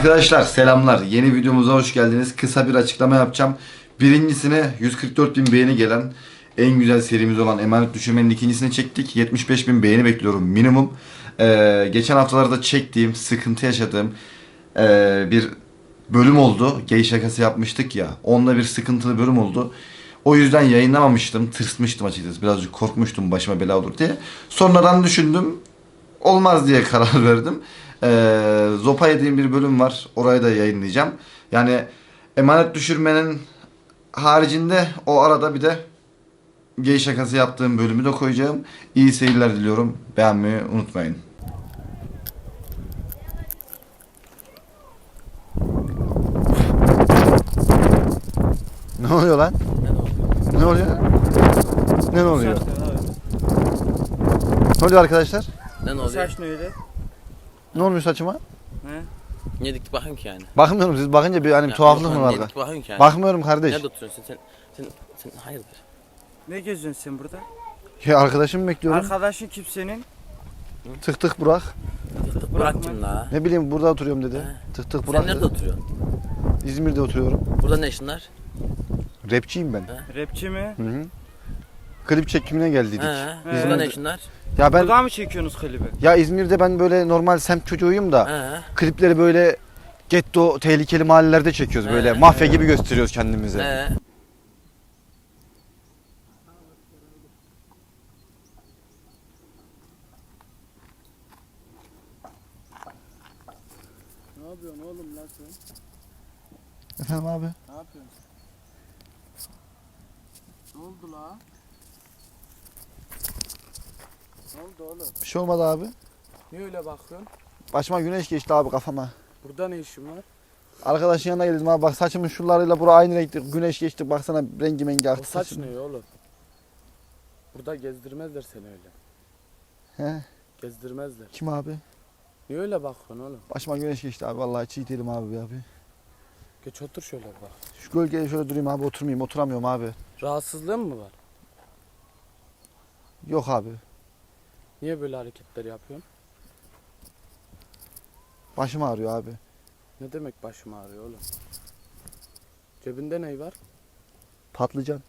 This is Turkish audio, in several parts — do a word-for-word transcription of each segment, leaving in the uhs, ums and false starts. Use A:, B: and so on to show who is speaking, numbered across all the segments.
A: Arkadaşlar selamlar. Yeni videomuza hoş geldiniz. Kısa bir açıklama yapacağım. Birincisine yüz kırk dört bin beğeni gelen en güzel serimiz olan Emanet Düşürmenin ikincisini çektik. yetmiş beş bin beğeni bekliyorum minimum. Ee, geçen haftalarda çektiğim, sıkıntı yaşadığım ee, bir bölüm oldu. Gay şakası yapmıştık ya. Onunla bir sıkıntılı bölüm oldu. O yüzden yayınlamamıştım. Tırsmıştım açıkçası. Birazcık korkmuştum başıma bela olur diye. Sonradan düşündüm. Olmaz diye karar verdim. Ee, Zopa yediğim bir bölüm var. Orayı da yayınlayacağım. Yani emanet düşürmenin haricinde o arada bir de gay şakası yaptığım bölümü de koyacağım. İyi seyirler diliyorum. Beğenmeyi unutmayın. Ne oluyor lan? Ne oluyor? Ne oluyor? Ne oluyor arkadaşlar?
B: Ne oluyor?
C: Saç ne öyle?
A: Ne olmuş saçıma?
C: He?
B: Niye dik bakın ki yani?
A: Bakmıyorum, siz bakınca bir hani bir
B: Ya,
A: tuhaflık
B: yok
A: mı
B: lan,
A: var
B: niye
A: da?
B: dik bakın ki yani?
A: Bakmıyorum kardeş.
B: Nerede oturuyorsun sen? Sen, sen, sen hayırdır?
C: Ne geziyorsun sen burada?
A: Ya arkadaşımı bekliyorum.
C: Arkadaşın kim senin?
A: Tık tık Burak.
B: Tık tık
C: Bırak
B: Burak kim la?
A: Ne bileyim burada oturuyorum dedi.
B: He.
A: Tık tık Burak
B: Sen nerede
A: dedi.
B: oturuyorsun?
A: İzmir'de oturuyorum.
B: Burada ne işin var?
A: Rapçiyim ben.
B: He.
C: Rapçi mi?
A: Hı hı. Klip çekimine geldiydik.
B: He.
C: He.
B: Burada ne işin var?
A: Ya ben
C: Burada mı çekiyorsunuz klibi?
A: ya İzmir'de ben böyle normal semt çocuğuyum da
B: He.
A: klipleri böyle getto tehlikeli mahallelerde çekiyoruz,
B: He.
A: böyle mafya gibi gösteriyoruz kendimizi.
B: He.
C: Ne yapıyorsun oğlum lan sen?
A: Efendim abi?
C: Ne yapıyorsun? Ne oldu la? Ne oldu oğlum?
A: Bir şey olmadı abi.
C: Niye öyle bakıyorsun?
A: Başıma güneş geçti abi kafama.
C: Burada ne işin var?
A: Arkadaşın yanına geldim abi, bak saçımın şuralarıyla bura aynı renkte, güneş geçti, baksana rengi mengi
C: O
A: aktı
C: saç
A: saçım.
C: ne oğlum? Burada gezdirmezler seni öyle.
A: He,
C: Gezdirmezler.
A: kim abi?
C: Niye öyle bakıyorsun oğlum?
A: Başıma güneş geçti abi, vallahi çiğ değilim abi abi.
C: Geç otur şöyle bak.
A: Şu gölgeye şöyle durayım abi, oturmayayım, oturamıyorum abi.
C: Rahatsızlığın mı var?
A: Yok abi.
C: Niye böyle hareketler yapıyorsun?
A: Başım ağrıyor abi.
C: Ne demek başım ağrıyor oğlum? Cebinde ne var?
A: Patlıcan.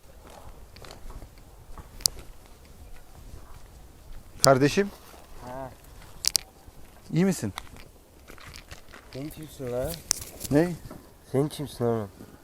A: Kardeşim,
C: Ha.
A: iyi misin?
D: Sen kimsin lan?
A: Ne?
D: Sen kimsin oğlum?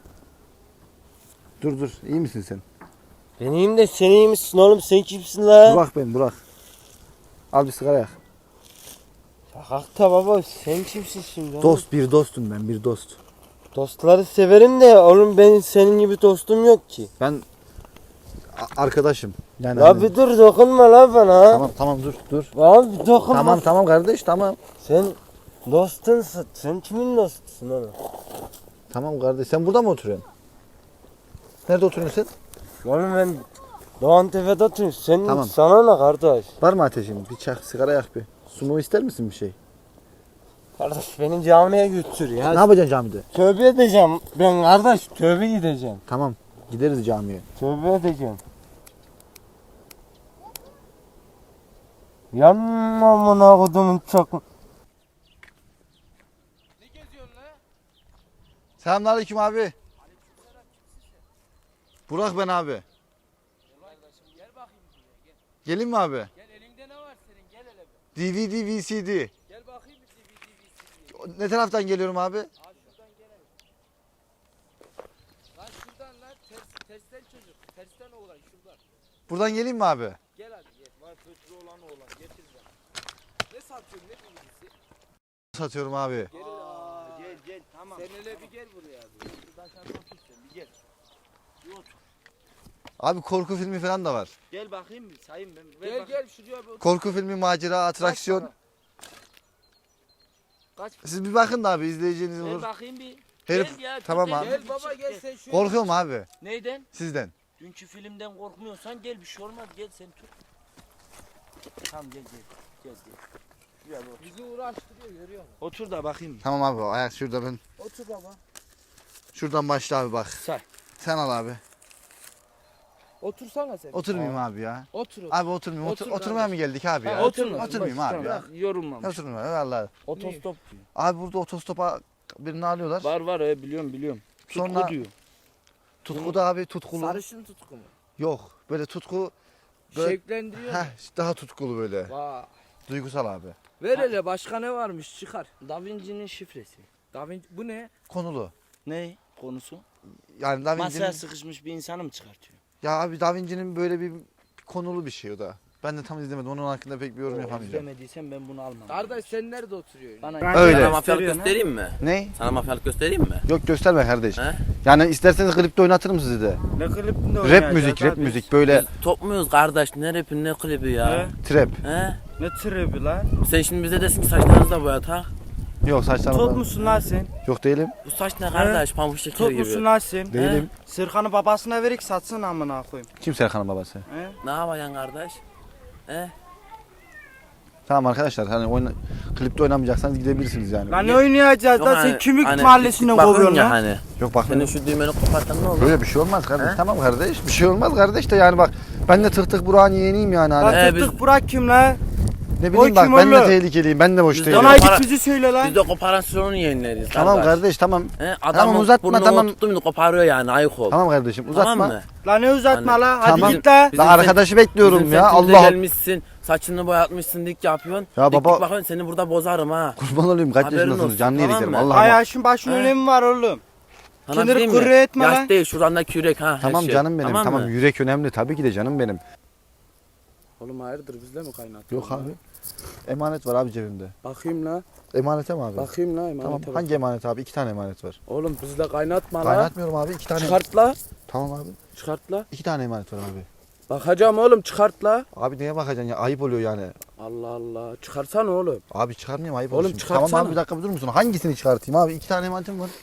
A: Dur dur, iyi misin sen?
D: Ben iyiyim de sen iyi misin oğlum? Sen kimsin lan?
A: Burak ben, Burak. Al bir sigara yak.
D: Şakakta baba, sen kimsin şimdi oğlum?
A: Dost, bir dostum ben, bir dost.
D: Dostları severim de oğlum, benim senin gibi dostum yok ki.
A: Ben a- arkadaşım. Yani
D: Ya
A: hani-
D: bir dur, dokunma lan bana.
A: Tamam tamam dur dur.
D: Abi bir dokunma.
A: Tamam tamam kardeş, tamam.
D: Sen dostunsun. Sen kimin dostusun oğlum?
A: Tamam kardeş, sen burada mı oturuyorsun? Nerede oturuyorsun sen?
D: Oğlum ben Doğan Tepe'de oturuyorum. Sen
A: Tamam.
D: sana ne kardeş?
A: Var mı ateşin? Bir çak, sigara yak bir. Su mu ister misin bir şey?
D: Kardeş beni camiye götür ya.
A: Ne yapacaksın camide?
D: Tövbe edeceğim. Ben kardeş tövbe gideceğim.
A: Tamam, gideriz camiye.
D: Tövbe edeceğim. Yanma amına kodumun çok.
A: Selamünaleyküm abi. Burak ben abi.
C: Gel bakayım buraya gel.
A: Gelin mi abi?
C: Gel elinde ne var senin gel hele bir.
A: D V D, V C D.
C: Gel bakayım bir D V D V C D.
A: Ne taraftan geliyorum abi?
C: Aa şuradan gelelim. Lan şuradan lan ters, tersten çocuk. Tersten oğlan şuradan.
A: Buradan geleyim mi abi?
C: Gel hadi gel. Var fıçlı olan oğlan getir ben. Ne satıyorsun ne bilgisi?
A: Satıyorum abi.
C: Gel Aa, gel gel tamam. Sen hele bir gel buraya. Bir. Şuradan sen otur sen bir gel. Bir otur.
A: Abi korku filmi falan da var.
C: Gel bakayım bir sayayım ben. Ver gel gel şuraya bir otur.
A: Korku filmi, macera, atraksiyon.
C: Kaç para? Kaç?
A: Siz bir bakın da abi, izleyeceğiniz
C: Ver
A: olur.
C: bakayım bir.
A: Herif,
C: Gel ya,
A: tamam
C: gel,
A: abi.
C: Gel baba gel sen şuraya.
A: Korkuyorum abi
C: Neyden?
A: sizden.
C: Dünkü filmden korkmuyorsan gel bir şey olmaz gel sen tut. Tamam gel gel. Gel gel. Şuraya bir otur. Bizi uğraştırıyor görüyor musun? Otur da bakayım.
A: Tamam abi, ayak şurada ben.
C: Otur baba.
A: Şuradan başla abi bak.
C: Say.
A: Sen al abi.
E: Otursana sen.
F: Oturmayayım abi ya.
E: Otur. otur.
F: Abi oturmayayım. Otur,
E: Otur
F: oturmaya mı geldik abi ya?
E: Ha, oturma.
F: Oturmayayım
C: Bak,
F: abi ya.
C: bak, Yorulmamış.
F: Oturmayayım vallahi.
C: Otostop diyor.
F: Abi burada otostopa birini alıyorlar.
C: Var var he, biliyorum biliyorum. Tutku
F: Sonra
C: diyor.
F: tutku da abi tutkulu.
E: Sarışın tutku mu?
F: Yok böyle tutku böyle
E: Şevklendiriyor mu?
F: heh, daha tutkulu böyle.
E: Vay.
F: Duygusal abi.
E: Ver hele başka ne varmış çıkar.
C: Da Vinci'nin şifresi.
E: Da Vinci bu ne?
F: Konulu.
C: Ne konusu?
F: Yani Da
C: Masaya
F: Vinci'nin
C: sıkışmış bir insanı mı çıkartıyor?
F: ya abi Da Vinci'nin böyle bir konulu bir şey o da. Ben de tam izlemedim. Onun hakkında pek bir yorum yapamayacağım.
C: İzlemediysen ben bunu almam.
E: Kardeş sen nerede oturuyorsun?
C: Bana
F: Öyle.
B: Sana mafyalık göstereyim mi?
F: Ne?
B: Sana mafyalık göstereyim mi?
F: Yok gösterme kardeş.
B: He?
F: Yani isterseniz klipte oynatırım sizi de.
C: Ne klibinde
F: Rap müzik, rap müzik böyle
B: Biz top muyuz kardeş? Ne rapi ne klibi ya?
C: He?
F: trap.
B: He?
C: Ne tribi lan?
B: Sen şimdi bize desin ki saçlarınızı da boyat ha?
F: Yok saçlarım.
G: Top musun lan sen?
F: Yok değilim.
B: Bu saç ne kardeş? Pamuk şeker
G: Top
B: gibi.
G: musun lan sen?
F: Değilim.
G: Sırkanı babasına verik satsın amına koyayım.
F: Kim Serkan'ın babası?
G: He?
B: Ne yapacaksın kardeş? He?
F: Tamam arkadaşlar hani oyna, klipte oynamayacaksanız gidebilirsiniz yani.
G: Lan ne oynayacağız
B: Yok
G: lan
B: hani-
G: sen kimlik
B: hani
G: mahallesine
B: bakın
G: kovuyorsun
B: ya
G: lan.
B: hani.
F: Yok bak
B: Senin şu düğmeni kopartan ne olur?
F: böyle bir şey olmaz kardeş.
B: He?
F: Tamam kardeş. Bir şey olmaz kardeş de yani bak ben de tık tık Burak'ın yeğeniyim yani hani.
G: Lan
B: He,
G: tık
B: biz-
G: tık Burak kim lan?
F: Ne bileyim
G: o
F: bak
G: kim
F: ben de
G: oğlum?
F: tehlikeliyim. Ben de boş
B: Biz de
F: değilim.
G: Bana
B: para-
G: git bizi söyle lan.
B: Biz de koparasyonun yeğenleriyiz
F: Tamam
B: kardeş.
F: kardeş tamam.
B: He?
F: Tamam,
B: Adamın
F: uzatma,
B: burnunu
F: tamam.
B: tuttu mu koparıyor yani ayık ol.
F: Tamam kardeşim uzatma.
B: Tamam mı?
G: Lan ne uzatma
B: Hani-
G: lan hadi
F: Tamam.
G: git lan.
B: Bizim
F: Lan arkadaşı bekliyorum
B: Bizim
F: ya
B: semtimize
F: Allah.
B: gelmişsin, saçını boyatmışsın, dik yapıyorsun.
F: Ya
B: dik
F: baba-
B: dik bakıyorsun seni burada bozarım ha.
F: Kurban olayım kaç
B: Haberin
F: yaşındasınız
B: olsun,
F: canlı
B: tamam
F: yedik
B: mı?
F: Allah
G: Ay
F: Allah.
G: yaşın başın
B: He.
G: önemi var oğlum.
B: Sana
G: Kendini
B: bir diyeyim mi?
G: kuru etme
B: Yaş
G: lan.
B: değil şuradaki yürek ha. her
F: Tamam
B: şey.
F: canım benim tamam,
B: mı?
F: yürek önemli tabii ki de canım benim.
E: Oğlum hayırdır bizle mi kaynatıyorsun?
F: Yok abi. Emanet var abi cebimde.
E: Bakayım la.
F: Emanete mi abi?
E: Bakayım la
F: Tamam
E: emanete bak.
F: hangi emanet abi? İki tane emanet var.
E: Oğlum bizle kaynatma la.
F: Kaynatmıyorum abi iki tane.
E: Çıkart la.
F: Tamam abi.
E: Çıkart la.
F: İki tane emanet var abi.
E: Bakacağım oğlum çıkart la.
F: Abi neye bakacaksın ya? Ayıp oluyor yani.
E: Allah Allah. Çıkarsana oğlum.
F: Abi çıkarmayayım ayıp
E: Oğlum
F: olur şimdi.
E: çıkartsana.
F: Tamam abi bir dakika bir durur musun? Hangisini çıkartayım abi? İki tane emanetim var.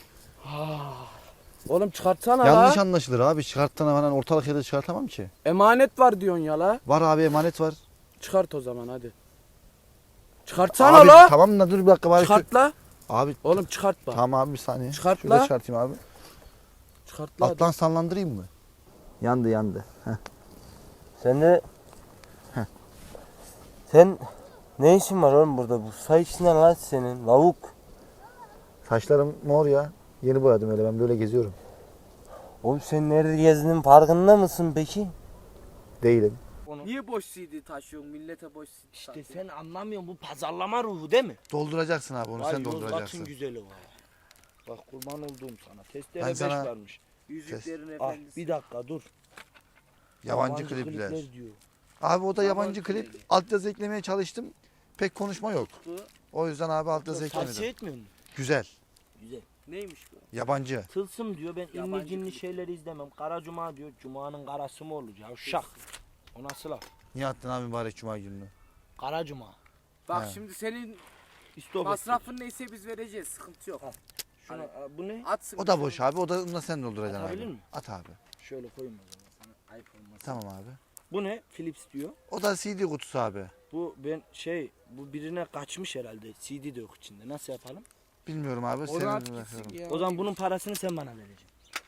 E: Oğlum çıkartsana
F: Yanlış
E: la.
F: anlaşılır abi. Çıkarttığına falan ortalık yerde çıkartamam ki.
E: Emanet var diyorsun ya la.
F: Var abi emanet var.
E: Çıkart o zaman hadi. Çıkartsana
F: Abi
E: la.
F: tamam da dur bir dakika bari. şu-
E: Çıkart la.
F: Abi
E: Oğlum çıkart bak.
F: tamam abi bir saniye.
E: Çıkart
F: Şurada
E: la.
F: çıkartayım abi.
E: Çıkart la. hadi.
F: Alttan sallandırayım mı? Yandı yandı. Heh.
D: Sen de...
F: Heh.
D: Sen ne işin var oğlum burada? Bu saç ne lan senin? Lavuk.
F: Saçlarım mor ya. Yeni boyadım öyle ben böyle geziyorum.
D: Oğlum sen nerede gezdiğinin farkında mısın peki?
F: Değilim.
E: Niye boş C D taşıyorsun? Millete boş C D
C: İşte sen anlamıyorsun bu pazarlama ruhu değil mi?
F: Dolduracaksın abi onu
C: Vay
F: sen
C: Yozgat'ın
F: dolduracaksın.
C: güzeli var. Bak kurban olduğum sana. Testere
F: Ben
C: beş
F: sana-
C: varmış.
E: Yüzüklerin
C: Al
E: efendisi.
C: bir dakika dur.
F: Yabancı, klipler.
C: diyor.
F: Abi o da yabancı
E: Yabancı
F: klip.
E: klibi.
F: Altyazı eklemeye çalıştım. Pek konuşma yok. O yüzden abi altyazı
C: Tavsiye
F: eklemedim.
C: etmiyor musun?
F: Güzel.
C: Güzel.
E: Neymiş bu?
F: Yabancı.
C: Tılsım diyor ben
E: Yabancı
C: inni cinli
E: klip.
C: şeyleri izlemem. Kara Cuma diyor. Cuma'nın karası mı olur ya? Şak. O nasıl laf?
F: Niye attın abi mübarek cuma gününü?
C: Kara Cuma.
E: Bak
F: He.
E: şimdi senin
C: İstop
E: masrafın neyse biz vereceğiz. Sıkıntı yok.
C: Şuna, Aa, bu ne?
E: Atsın.
F: O da boş abi. O da onu da sen dolduracaksın
C: Atabilir
F: abi.
C: mi?
F: At abi.
C: Şöyle koyayım o zaman sana ayıp olmasın.
F: Tamam abi.
C: Bu ne? Philips diyor.
F: O da C D kutusu abi.
C: Bu ben şey bu birine kaçmış herhalde. C D de yok içinde. Nasıl yapalım?
F: Bilmiyorum abi.
E: O
F: Senin
E: rahat
F: bırakıyorum.
E: gitsin ya.
C: O zaman bunun parasını sen bana vereceksin.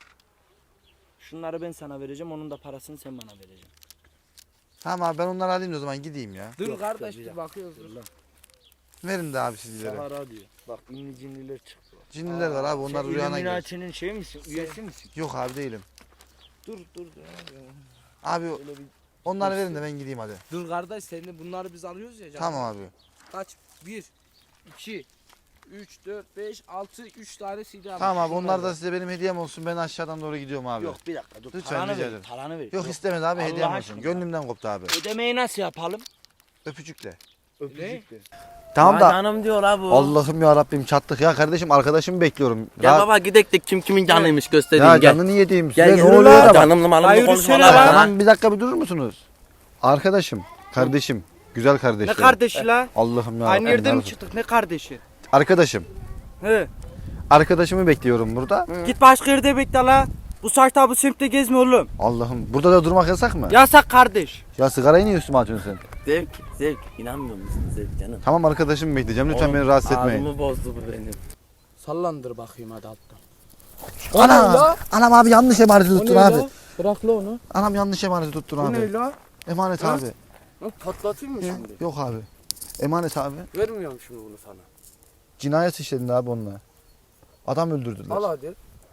C: Şunları ben sana vereceğim. Onun da parasını sen bana vereceksin.
F: Tamam abi ben onları alayım da o zaman gideyim ya.
E: Dur
C: Yok,
E: kardeş
C: dur, bir
E: dur
C: dakika.
E: bakıyoruz dur.
C: Lan.
F: Verin de abi sizlere.
C: Sahara diyor. Bak ünlü cinliler çıktı.
F: Cinliler var abi onlar
C: Sen
F: rüyana girer.
C: Illuminati'nin şey misin? Üyesi misin?
F: Yok abi değilim.
C: Dur dur. dur.
F: Abi
C: Öyle bir
F: onları verin de ben gideyim hadi.
E: Dur kardeş seni bunları biz alıyoruz ya. canım.
F: Tamam abi.
E: Kaç? bir, iki, üç, dört, beş, altı, üç tane C D almış.
F: Tamam abi
E: Şunlar
F: onlar da size benim hediyem olsun. Ben aşağıdan doğru gidiyorum abi.
C: Yok bir dakika dur.
F: Lütfen,
C: paranı
F: rica
C: ver.
F: ederim.
C: Paranı ver.
F: Yok istemedi abi
C: Allah
F: hediyem olsun.
C: aşkına.
F: Gönlümden koptu abi.
C: Ödemeyi nasıl yapalım?
F: Öpücükle.
C: Öpücükle.
F: Tamam
B: Ya
F: da
B: canım diyor la bu.
F: Allah'ım ya Rabbim çattık ya kardeşim arkadaşımı bekliyorum.
B: Gel
F: Ya-
B: baba gidek de kim kimin canıymış göstereyim
F: Ya
B: gel.
F: canını yediğim
B: Gel
F: size
B: yürü
F: ne oluyor
B: la.
F: da bak.
B: Canımlı malımlı
G: Hayır,
B: konuşma
G: yürüsene
B: lan.
G: lan.
B: ha.
F: Tamam bir dakika bir durur musunuz? Arkadaşım, kardeşim, güzel
G: Ne
F: kardeşim.
G: kardeşi la?
F: Allah'ım ya.
G: Aynı
F: Rabbim,
G: yerde
F: ya
G: mi
F: Rabbim.
G: çıktık ne kardeşi?
F: Arkadaşım.
G: He.
F: Arkadaşımı bekliyorum burada.
G: Git başka yerde bekle la. Bu saatte bu semtte gezme oğlum.
F: Allah'ım burada da durmak yasak mı? Ya,
G: Yasak kardeş.
F: sigarayı niye üstüme atıyorsun sen?
B: Zevk zevk inanmıyor musun zevk canım?
F: Tamam arkadaşımı bekleyeceğim lütfen
B: Oğlum,
F: beni rahatsız etmeyin.
B: Ağzımı bozdu bu benim.
E: Sallandır bakayım hadi alttan.
F: Ana! Anam abi yanlış emaneti tuttun
E: ne
F: abi.
E: la? Bırak la onu.
F: Anam yanlış emaneti tuttun
E: Bu
F: abi.
E: ne la?
F: Emanet
E: Ha?
F: abi.
E: Lan patlatayım mı
F: He,
E: şimdi?
F: Yok abi. Emanet abi.
E: Vermiyorum şimdi bunu sana.
F: Cinayet işledin abi onunla. Adam öldürdüler.
E: Al hadi.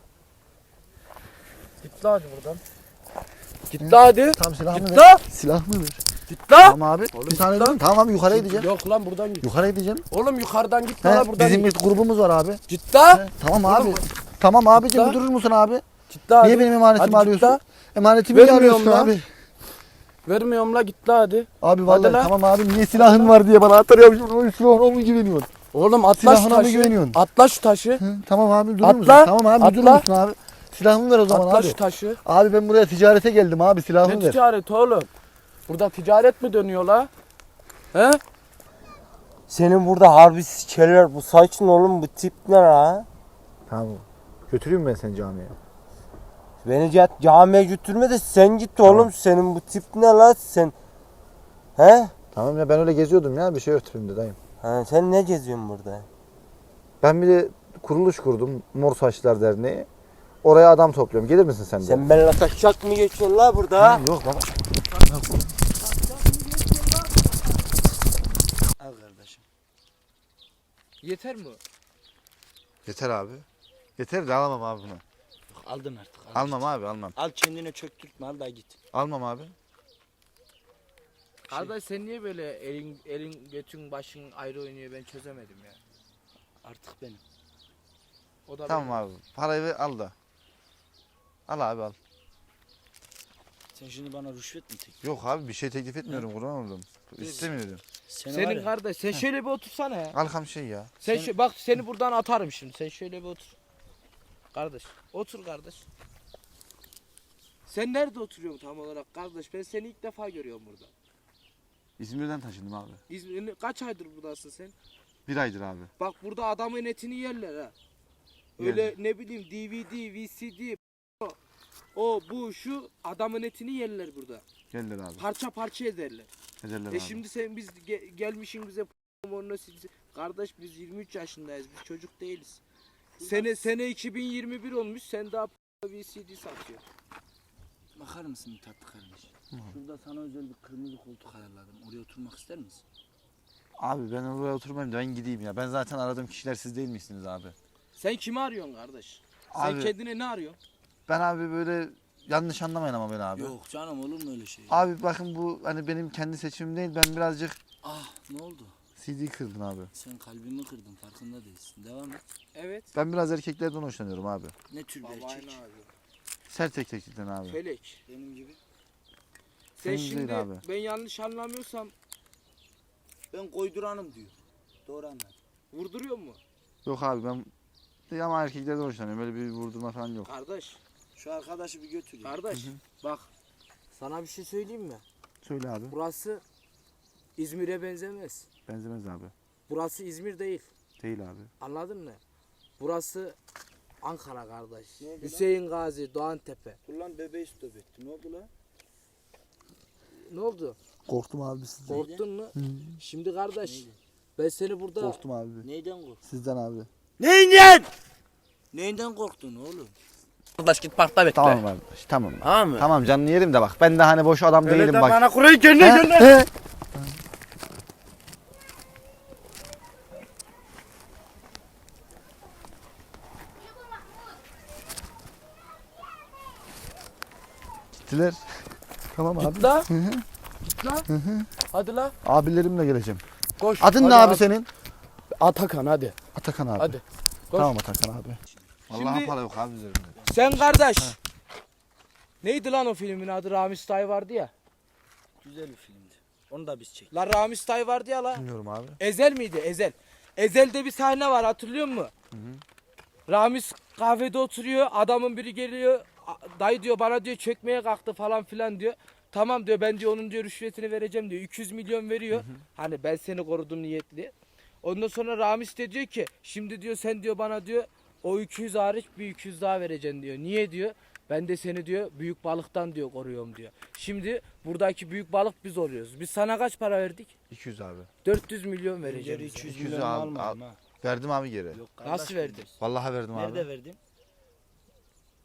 E: Git la hadi buradan. Git la hadi.
F: Tamam silahını
E: Git
F: ver.
E: la.
F: Silahını ver.
E: Git la.
F: Tamam abi.
E: Oğlum
F: bir tane
E: git lan.
F: dedim. Tamam abi yukarıya gideceğim.
E: Yok lan buradan git.
F: Yukarıya gideceğim.
E: Oğlum yukarıdan git
F: He,
E: la buradan
F: bizim
E: git.
F: bir grubumuz var abi.
E: Git la.
F: He, tamam
E: Oğlum,
F: abi. Tamam abicim
E: la.
F: bir durur musun abi?
E: Git la hadi.
F: Niye benim emanetimi
E: Hadi
F: arıyorsun?
E: git la.
F: Emanetimi niye
E: Vermiyorum
F: arıyorsun
E: la.
F: abi?
E: Vermiyorum la git la hadi.
F: Abi vallahi
E: la.
F: tamam abi niye silahın var diye bana hatırlıyormuşsun. Silahına mı güveniyorsun?
E: Oğlum atla şu
F: Silahına mı
E: taşı.
F: güveniyorsun?
E: Atla şu taşı.
F: Hı, tamam abi durur
E: Atla,
F: musun? Tamam abi durur
E: atla.
F: musun abi? Silahımı ver o zaman
E: Atla
F: abi.
E: şu taşı.
F: Abi ben buraya ticarete geldim abi silahımı
E: Ne
F: ver.
E: ticaret oğlum? Burada ticaret mi dönüyor la? He?
D: Senin burada harbi sikeler bu saç ne oğlum bu tip ne la?
F: Tamam. Götüreyim ben seni camiye.
D: Beni ca- camiye götürme de sen git oğlum senin bu tip ne la sen? He?
F: Tamam ya ben öyle geziyordum ya bir şey ötürüm de dayım.
D: Ha, sen ne geziyorsun burada?
F: Ben bir de kuruluş kurdum Mor Saçlar Derneği. Oraya adam topluyorum. Gelir misin sen de?
D: Sen benimle taşak mı geçiyorsun la burada?
F: Hı, Yok baba.
B: Al kardeşim.
E: Yeter mi?
F: Yeter abi. Yeter de alamam abi bunu.
B: Yok, aldın artık. Al.
F: Almam abi almam.
B: Al kendine çöktürtme al da git.
F: Almam abi.
E: Kardeş sen niye böyle elin elin götün başın ayrı oynuyor ben çözemedim ya.
B: Artık benim.
E: O da
F: Tamam
E: benim.
F: abi. Parayı ver, al da. Al abi al.
B: Sen şimdi bana rüşvet mi teklif?
F: Yok abi bir şey teklif etmiyorum kurban oldum. İstemiyorum.
B: Seni var
E: Senin
B: ya,
E: kardeş sen şöyle bir otursana ya.
F: Alkam şey ya.
E: Sen
B: Sen-
E: şu, bak seni buradan atarım şimdi. Sen şöyle bir otur. Kardeş, otur kardeş. Sen nerede oturuyorsun tam olarak kardeş? Ben seni ilk defa görüyorum burada.
F: İzmir'den taşındım abi.
E: İzmir'in kaç aydır buradasın sen?
F: Bir aydır abi.
E: Bak burada adamın etini yerler ha. Öyle ne bileyim D V D, V C D, o, o bu şu adamın etini yerler burada.
F: Geldiler abi.
E: Parça parça ederler.
F: Ederler
E: E şimdi sen biz ge- gelmişin bize porno silsi- kardeş biz yirmi üç yaşındayız. Biz çocuk değiliz. Sene sene iki bin yirmi bir olmuş. Sen daha V C D satıyorsun.
B: bakar mısın bir tatlı kardeş? Şurada sana özel bir kırmızı koltuk ayarladım. Oraya oturmak ister misin?
F: Abi ben oraya oturmayayım da ben gideyim ya. Ben zaten aradığım kişiler siz değil misiniz abi?
E: Sen kimi arıyorsun kardeş? Sen
F: Abi-
E: kendine ne arıyorsun?
F: Ben abi böyle yanlış anlamayın ama beni abi.
B: Yok canım olur mu öyle şey?
F: Abi bakın bu hani benim kendi seçimim değil. Ben birazcık
B: Ah ne oldu?
F: C D kırdım abi.
B: Sen kalbimi kırdın farkında değilsin. Devam et.
E: Evet.
F: Ben biraz erkeklerden hoşlanıyorum abi.
B: Ne tür bir
E: Babayla
B: erkek?
E: arıyor.
F: Sert erkeklikten abi.
E: Felek.
B: Benim gibi.
E: Sen
F: Senin değil
E: şimdi
F: abi.
E: ben yanlış anlamıyorsam
B: Ben koyduranım diyor. Doğru anladın.
E: vurduruyor mu?
F: Yok abi ben ama erkeklerden hoşlanıyorum. Böyle bir vurdurma falan yok.
E: Kardeş.
B: Şu arkadaşı bir götür ya.
E: Kardeş. Bak. Sana bir şey söyleyeyim mi?
F: Söyle abi.
E: Burası İzmir'e benzemez.
F: Benzemez abi.
E: Burası İzmir değil.
F: Değil abi.
E: Anladın mı? Burası Ankara kardeş.
B: Ne oldu lan?
E: Hüseyin Gazi, Doğantepe.
B: Dur lan bebeği stop etti. Ne oldu lan?
E: Ne oldu?
F: Korktum abi sizden.
E: Korktun mu? Şimdi kardeş ben seni burada
F: Korktum abi.
B: Neyden korktun?
F: Sizden abi.
B: Neyinden? Neyinden korktun oğlum? Kardeş git parkta bekle.
F: Tamam abi. Tamam.
B: Tamam mı?
F: Tamam canını yerim de bak. Ben de hani boş adam değilim bak.
G: Bana kurayı kendine
F: He,
G: gönder.
F: he. Gittiler. Tamam abi.
E: git la. Git la. Hadi la.
F: Abilerimle geleceğim.
E: Koş.
F: Adın
E: Hadi
F: ne abi
E: At-
F: senin?
E: Atakan hadi.
F: Atakan abi.
E: Hadi. Koş.
F: Tamam Atakan abi. Vallahi
E: Şimdi-
F: para yok abi üzerimde.
E: Sen kardeş. Neydi lan o filmin adı? Ramiz Tay vardı ya.
B: Güzel bir filmdi. Onu da biz çektik.
E: La Ramiz Tay vardı ya la.
F: Bilmiyorum abi.
E: Ezel miydi? Ezel. Ezel'de bir sahne var hatırlıyor musun? Ramiz kahvede oturuyor. Adamın biri geliyor. "A- Dayı diyor bana diyor çökmeye kalktı falan filan diyor. Tamam diyor ben diyor onun diyor rüşvetini vereceğim diyor. iki yüz milyon veriyor. Hani ben seni korudum niyetli. Ondan sonra Ramiz de diyor ki şimdi diyor sen diyor bana diyor o iki yüz hariç bir iki yüz daha vereceksin diyor. Niye diyor? Ben de seni diyor büyük balıktan diyor koruyorum diyor. Şimdi buradaki büyük balık biz oluyoruz. Biz sana kaç para verdik?
F: iki yüz abi.
E: dört yüz milyon vereceğim.
B: Geri
E: bize.
B: üç yüz
F: iki yüz
B: milyon
F: al-
B: almadım
F: al.
B: ha.
F: Verdim abi geri.
B: Yok, kardeş
E: Nasıl verdin?
B: verdim.
F: Vallahi verdim abi.
B: Nerede verdin?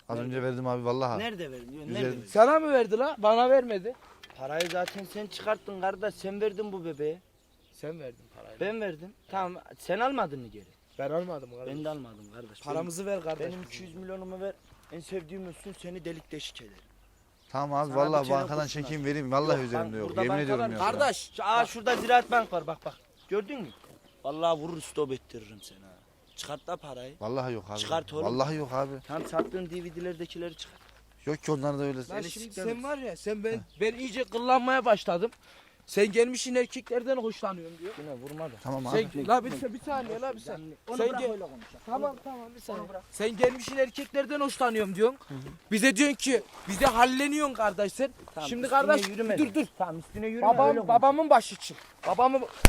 F: Az önce verdim abi vallahi.
C: Nerede verdin? Nerede
F: Güzel.
C: verdin?
E: Sana mı verdi la? Bana vermedi.
C: Parayı zaten sen çıkarttın kardeş. Sen verdin bu bebeğe.
E: Sen verdin parayı.
C: Ben verdim. Tamam sen almadın mı geri?
E: Ben almadım kardeş.
C: Ben de almadım kardeş.
E: Paramızı ver kardeş.
C: Benim iki yüz milyonumu ver. En sevdiğim olsun seni delik deşik ederim.
F: Tamam abi
C: Sana
F: vallahi
C: bir kere
F: bankadan
C: kurşun
F: çekeyim vereyim. Vallahi
C: Yok,
F: üzerimde
C: ben-
F: yok.
C: burada
F: Yemin
C: bankalar-
F: ediyorum yok. ya.
E: Kardeş.
C: Şu- Aa şurada Ziraat Bank var bak bak. Gördün mü? Vallahi vurur stop ettiririm seni ha. Çıkart da parayı.
F: Vallahi yok abi.
C: Çıkart oğlum.
F: Vallahi yok abi.
C: Tam sattığın D V D'lerdekileri çıkart.
F: Yok ki onlar da öyle.
E: Lan
C: Seni
E: şimdi
C: siklerim.
E: sen var ya sen ben ben iyice kıllanmaya başladım. Sen gelmişsin erkeklerden hoşlanıyorum diyor.
C: Yine vurma da.
F: Tamam abi.
E: Sen, la bir, bir saniye la bir saniye. Sen gel- Tamam tamam bir saniye. Sen gelmişsin erkeklerden hoşlanıyorum diyorsun. Bize diyorsun ki bize halleniyorsun kardeş sen.
C: Tamam,
E: Şimdi
C: üstüne
E: kardeş
C: yürüme
E: dur
C: de.
E: dur.
C: Tamam üstüne yürüme öyle
E: Babam
C: konuş.
E: babamın başı çık. Babamı
C: Dur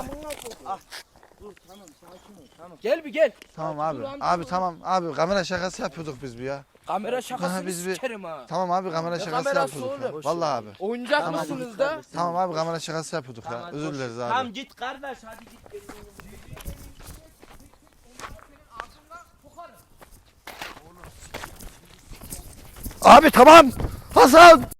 C: tamam sakin ol tamam.
E: gel bir gel.
F: Tamam abi.
E: Dur lan,
F: Abi
E: dur.
F: tamam abi kamera şakası yapıyorduk biz bir ya.
E: Kamera şakasını
F: biz bir-
E: sikerim ha.
F: Tamam abi kamera
E: Ne
F: şakası
E: kamerası
F: yapıyorduk ya.
E: oğlum?
F: Vallahi abi.
E: Oyuncak
C: Tamam,
E: mısınız
C: git
E: da?
C: kardeş.
F: Tamam abi kamera şakası yapıyorduk ya.
C: Tamam,
F: Özür
C: boş-
F: dileriz abi.
C: Tamam git kardeş hadi git.
F: Abi tamam. Hasan.